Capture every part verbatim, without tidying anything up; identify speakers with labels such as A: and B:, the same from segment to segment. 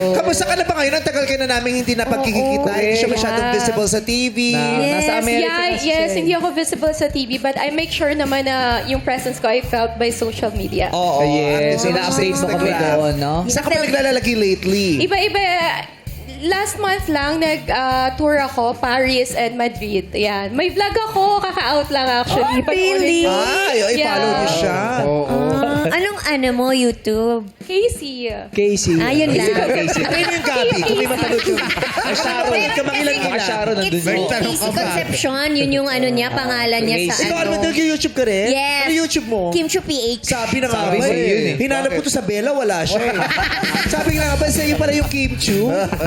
A: Kamusta ka na ba ngayon? Ang tagal ka na namin hindi napagkikita.
B: Oo,
A: Hindi siya
B: yeah.
A: masyadong visible sa T V.
B: Na,
C: Yes,
B: nasa America
C: yeah,
B: na siya
C: yes,
B: eh.
C: hindi ako visible sa T V, but I make sure naman na yung presence ko I felt by social media.
A: Oo.
B: Yes,
A: Ano,
B: ina-update mo kami
A: Instagram.
B: doon, no?
A: Saan ka pa naglalagi lately?
C: Iba-iba, last month lang nag-tour ako, Paris and Madrid. Yan. May vlog ako, kaka-out lang actually.
D: Oh, really?
A: Ay, ay,
C: Yeah.
A: follow mo siya.
D: Ah, anong ano mo, YouTube?
C: Casey.
B: Casey.
D: Ah, yun lang.
B: Casey.
A: Ano yung Gabi? Kung may matanood yun. Ay, Sharon.
D: Pero
A: Ka makilang
D: kasi-
B: Mga Sharon nandun
D: It's
B: yun.
D: Casey Concepcion. Yun yung ano niya, pangalan niya sa
A: Ikaw, ano
D: ano.
A: nag-YouTube ka rin?
D: Yes.
A: Ano YouTube mo?
D: Kim Chu P H.
A: Sabi na nga
B: Sabi
A: ba
B: sa'yo yun
A: eh.
B: eh.
A: Hinanap ko to sa Bella, wala siya eh. Sabi nga nga ba, sa'yo pala yung Kim Chu?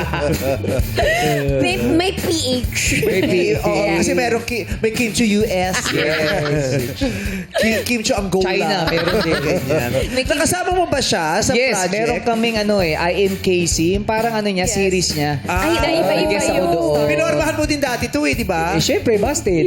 D: May, may P H.
B: Maybe.
A: Oo, kasi meron ki, may Kim Chu U S.
B: Yes.
A: Kim, Kim Chu Angola.
B: China, meron din.
A: Ganyan.
D: May Kim-
A: Nakasama mo ba siya sa
B: Yes,
A: project?
B: meron kaming ano eh, I am Casey. Yung parang ano niya,
C: Yes.
B: series niya.
A: Ah,
C: Ay, iba-iba
B: Nag-guest ako
C: yung
B: doon.
C: story.
A: Pinormahan mo din dati to eh, di ba?
B: Eh, syempre, busted.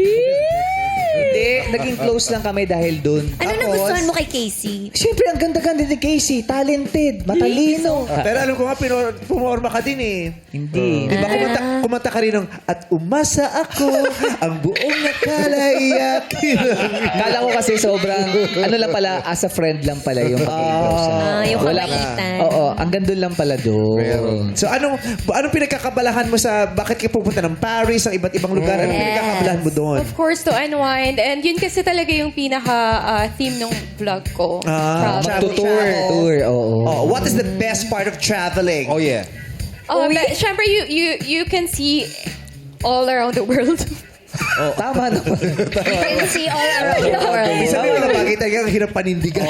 B: Hindi, naging close lang kami dahil doon.
D: Ano
A: Tapos-
D: nagustuhan mo kay Casey?
B: Siyempre, ang ganda-ganda ni Casey. Talented, matalino.
A: Pero alam ko nga, pinor, pumorma ka din eh.
B: Hindi.
A: Di ba kumanta, kumanta ka rin ng At umasa ako, ang buong nakalaiyak.
B: Kala ko kasi sobrang, ano lang pala, as a friend lang pala yung pag-close.
D: Ah, yung
B: Wala
D: kabaitan.
B: Oo, ang ganda lang pala doon.
A: So anong anong pinagkakabalahan mo sa bakit ka pupunta ng Paris, ang iba't ibang lugar? Anong
D: Yes.
A: pinagkakabalahan mo doon?
C: Of course, to unwind. And yun kasi talaga yung pinaka-theme ng vlog ko.
A: Ah,
C: Travel.
B: Tour, tour, oo.
A: Oh, what is the best part of traveling?
E: Oh, yeah.
C: Oh, but, syempre, you, you, you can see all around the world.
B: Tama naman.
D: You can see all around the world.
A: Ibig sabihin mga bagay talaga ang hirap panindigan.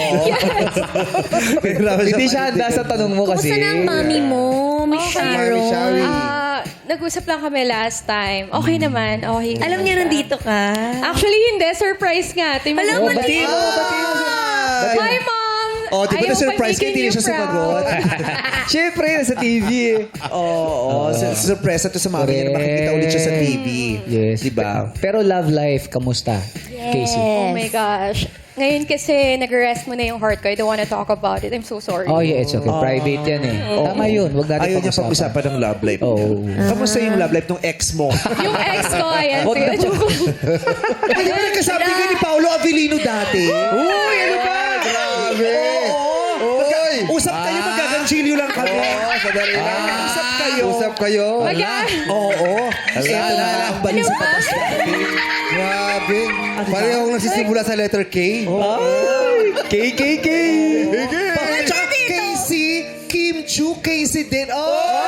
A: Mahirapan
B: Hindi siya handa
A: panindigan.
B: sa tanong mo kasi.
D: Kumusta na ang mami mo, Miss
C: Okay.
D: Sharon?
E: Shari.
C: Ah, nag-usap lang kami last time. Okay naman. Okay.
D: Alam niya nandito ka.
C: Actually, hindi. Surprise nga. Tingnan
D: Alam
C: mo.
D: mo na
B: Batiin mo,
D: yun.
B: batiin mo siya.
C: Hi, Mom!
A: Oh, di ba
C: Ayaw
A: na-surprise ka,
C: pa
A: hindi
C: making
A: na siya
C: you proud.
A: sumagot.
B: Siyempre, nasa T V eh.
A: Oo, oh, surprise to sa mami niya na makikita ulit siya sa T V.
B: Yes.
A: Di ba?
B: Pero love life, kamusta? Casey.
C: Oh my gosh. Ngayon kasi nag-rest mo na yung heart ko. I don't wanna talk about it. I'm so sorry.
B: Oh, yeah, it's okay. Private yan eh. Tama yun. Huwag natin
A: Ayaw niya
B: pag-usapan.
A: pag-usapan ng love life.
B: Oo.
A: Kamusta yung love life ng ex mo?
C: Yung ex ko, ayan.
B: Wag na-
C: Joke ko.
A: Ay, di ba nagkasabi ka ni Paolo Avellino dati?
B: Uy, ano ba?
E: Grabe.
A: Oo. Magka-
E: Oy.
A: Usap kayo, magkaganchilyo lang kami.
E: Oo, sadali lang.
A: Usap kayo.
E: Usap kayo.
C: Mag-
A: Oo. Ito na ang bali sa patas natin.
E: Grabe. Pareho akong nagsisimula sa letter K.
B: Ay, K, K, K.
A: Bakit tsaka Casey, Kim Chu, Casey din. Oh!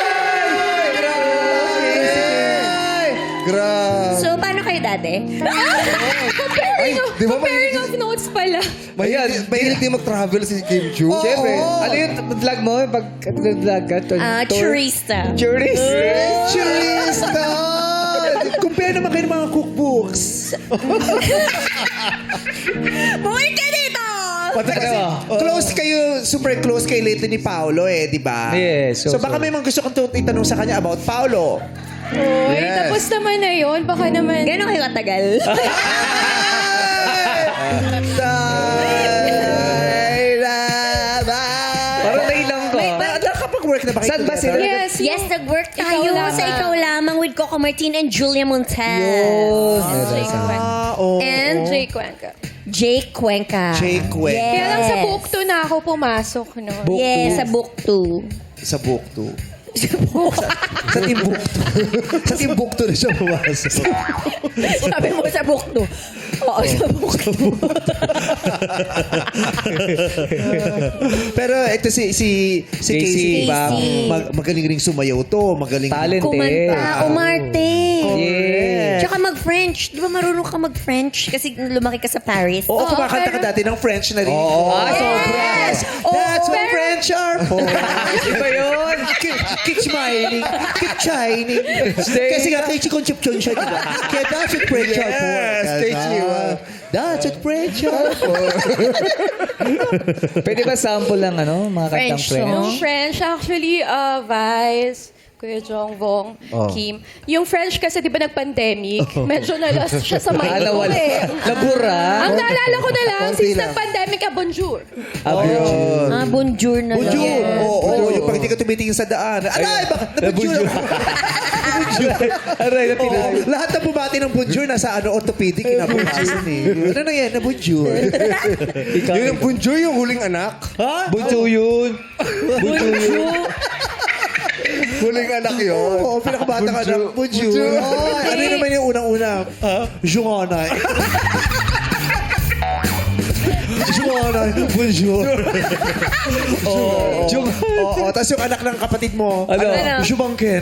E: Grabe.
D: So, paano kayo dati?
C: Comparing of,
E: di ba
C: comparing
E: may-
C: of notes pala.
E: Mahilig mahilig din mag-travel si Kim Chu.
B: Siyempre. Ano yung vlog mo? Pag vlog ka? Tour-
D: Ah,
B: tour-
D: Churista.
B: Tourist.
A: Churista! Compare naman kayo ng mga cookbooks.
D: Bumalik ka dito!
A: Pati kasi
B: Ano?
A: close kayo, super close kay lately ni Paolo eh, di ba?
B: Yes,
A: So,
B: so-
A: baka may mga gusto kong tu- itanong sa kanya about Paolo.
C: Uy,
E: Yes.
C: tapos naman na yun. Baka naman.
D: Gano'n kayo katagal?
B: Parang nailang ka.
A: May, na, nakapag-work na ba kayo
B: Saan ba
A: together?
B: sila?
C: Yes,
D: Yes,
C: yung-
D: nag-work
C: Ikaw
D: tayo
C: lamang.
D: sa Ikaw Lamang with Coco Martin and Julia Montez.
B: Yun.
C: Jay Cuenca.
A: Ah, oo.
D: And
C: Jay Cuenca.
D: Jake Cuenca.
A: Jake Cuenca.
D: Yes.
C: Kaya lang sa book two na ako pumasok, no?
A: Book
D: Yes,
A: two.
D: sa book two.
A: Sa book two. Sa Timbuktu. Sa Timbuktu na siya pumasok.
D: Sabi mo sa book two. Oo, sa book two.
A: Pero ito si si si
B: Casey.
A: Casey, ba?
D: Casey.
A: Mag, magaling ring sumayaw to, magaling.
B: Talented.
D: Kumanta, umarte.
B: Yeah.
D: Tsaka mag-French. Di ba marunong ka mag-French? Kasi lumaki ka sa Paris.
A: Oo,
C: Oo,
A: kumakanta ka
C: pero-
A: dati ng French na rin.
B: Oo.
A: Ah, sobra.
D: Yes.
A: That's
D: Oo,
A: what
C: pero-
A: French are for.
B: Iba yun.
A: Keep, keep smiling. Keep shining. Kasi nga, kay Concepcion siya, di ba? Kaya that's what French are for.
E: Yes, kay Chiwa.
A: That's what French are for.
B: Pwede ba sample lang ano? Mga kantang
D: French
B: French?
D: song?
C: Yung French, actually, uh, Vice, Kuya Jong, Vong,
E: Oh.
C: Kim. Yung French kasi di ba nag-pandemic, medyo na-lost siya sa mind
B: Ah,
C: ko
B: nawala.
C: eh.
B: Nabura.
C: Ang naalala ko na lang,
E: Konti
C: since
E: lang.
C: nag-pandemic, ah, bonjour.
E: Yun.
D: Ah, bonjour na lang.
A: Bonjour! Oo, oo, yung pag hindi ka tumitingin sa daan. Alay, bakit na bonjour ako?
B: Aray, na
A: Oo, lahat na bumati ng bonjour nasa ano, orthopedic, kinabukasan eh. Ano na yan, na bonjour?
E: Yun yung Bunjoy, yung huling anak.
A: Ha?
B: Bunso yun. Bunso yun.
E: Huling anak yun.
A: Oo, pinakabata ka ng bonjour. Oh, ano naman yung unang-una? Joanna. Joanna, bonjour. Oo. Oo, tapos yung anak ng kapatid mo,
B: Ano?
C: Ano?
A: Jumangken.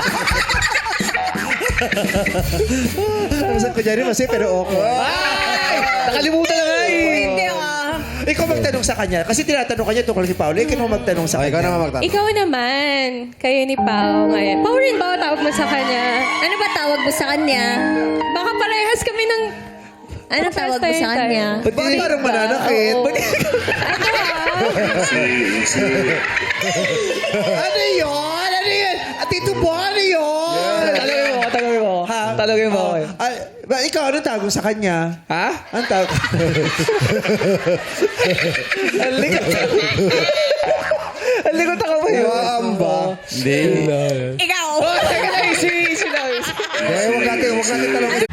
A: Masan ko dyan, masaya pero okay.
B: Nakalimutan na nga eh.
D: Hindi ah.
A: Ikaw magtanong sa kanya. Kasi tinatanong kanya tungkol si Paolo. Ikaw naman magtanong sa
E: Okay, ikaw
A: kanya.
E: naman magtanong.
C: Ikaw naman, kayo ni Pao ngayon. Pao rin ba ang tawag mo sa kanya?
D: Ano ba tawag mo sa kanya?
C: Baka parehas kami ng...
D: Ano tawag mo sa kanya?
A: Ba't parang mananakit?
C: Oo.
A: Ba't-
C: Ano ah?
A: Ano yun? Ano yun? At ito po, ano yun?
B: Talagin mo, talagin mo.
A: Ha?
B: Talagin mo.
A: Oh, ah, ba, ikaw, anong tawag mo sa kanya?
B: Ha?
A: Anong tawag?
B: Ang likot. Ang likot ako ba yun?
E: Waamba.
B: Hindi.
D: Ikaw!
B: Oh, teka lang, easy, easy lang.
E: Eh, huwag natin, huwag natin talong.